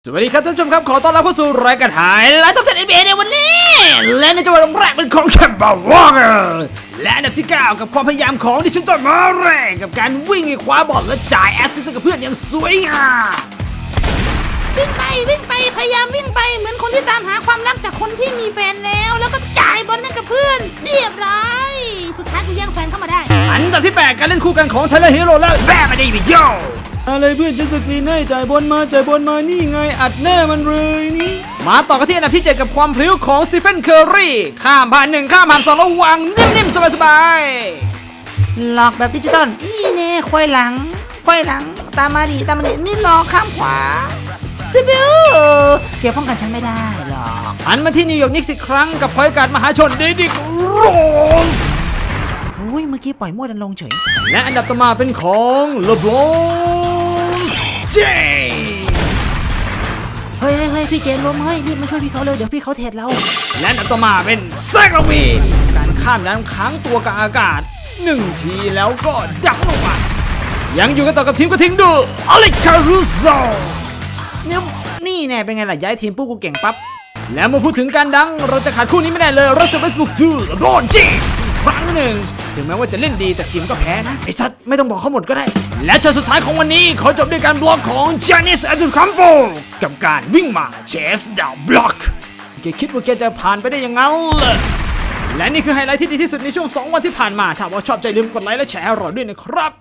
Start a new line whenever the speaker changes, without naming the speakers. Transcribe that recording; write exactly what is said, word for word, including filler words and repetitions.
สวัสดีครับท่านผู้ชมครับขอต้อนรับเข้าสู่รายการถ่ายและท็อปสิบ เอ็น บี เอ ในวันนี้และในจังหวะแรกเป็นของแคมเบอร์วอร์เกอร์และอันดับที่เก้ากับความพยายามของดิจิตอลมาเร่กับการวิ่งให้คว้าบอลและจ่ายแอสซิสต์กับเพื่อนอย่างสวยงาม
วิ่งไปวิ่งไปพยายามวิ่งไปเหมือนคนที่ตามหาความรักจากคนที่มีแฟนแล้วแล้วก็จ่ายบอลให้กับเพื่อนเรียบร้อยสุดท้ายกูแย่งแฟนเข้ามาได้
อันดับที่แปดการเล่นคู่กันของไทเลอร์ฮีโร่และแบร์มาดีวิโยอะไรเพื่อนจะสกรีนให้จ่ายบอลมาจ่ายบอลมานี่ไงอัดแน่มันเลยนี่มาต่อกันที่อันดับที่เจ็ดกับความพลิ้วของสตีเฟนเคอร์รีข้ามผ่านหนึ่งข้ามผ่านสองแล้ววางนิ่มๆสบาย
หลอกแบบดิจิตอลนี่แน่ควายหลังควายหลังตามมาดิตามมาดินี่หลอกข้ามขวาซิบิวเกี่ยวป้องกันฉันไม่ได้หรอก
หันมาที่นิวยอร์กนิกส์อีกครั้งกับพอยการ์ดมหาชนเดดิกโรส
อุ้ยเมื่อกี้ปล่อยมั่วดันลงเฉย
และอันดับต่อมาเป็นของเลบรอนเจมส์
เฮ้ยเฮ้ยพี่เจนล้มเฮ้ยรีบมาช่วยพี่เขาเร็วเดี๋ยวพี่เขาเทรดเรา
และอันดับต่อมาเป็นแซกลาวีนการข้ามน้ำค้างตัวกลางอากาศหนึ่งทีแล้วก็ดักลงมายังอยู่กันต่อกับทีมกระทิงดูอเล็กคารูโซเนี่ยนี่แน่เป็นไงล่ะย้ายทีมปุ๊บกูเก่งปั๊บแล้วมาพูดถึงการดังเราจะขาดคู่นี้ไม่ได้เลยรัสเซลเวสต์บุกทูเลบรอนเจมส์ครั้งหนึ่งถึงแม้ว่าจะเล่นดีแต่ทีมก็แพ้นะไอ้สัตว์ไม่ต้องบอกเขาหมดก็ได้และช็อตสุดท้ายของวันนี้เขาจบด้วยการบล็อกของจานิสอัลตูคัมโปกับการวิ่งมาเชสดาวบล็อกแกคิดว่าแกจะผ่านไปได้ยังไงเลยและนี่คือไฮไลท์ที่ดีที่สุดในช่วงสองวันที่ผ่านมาถ้าว่าชอบใจลืมกดไลค์และแชร์ให้เราด้วยนะครับ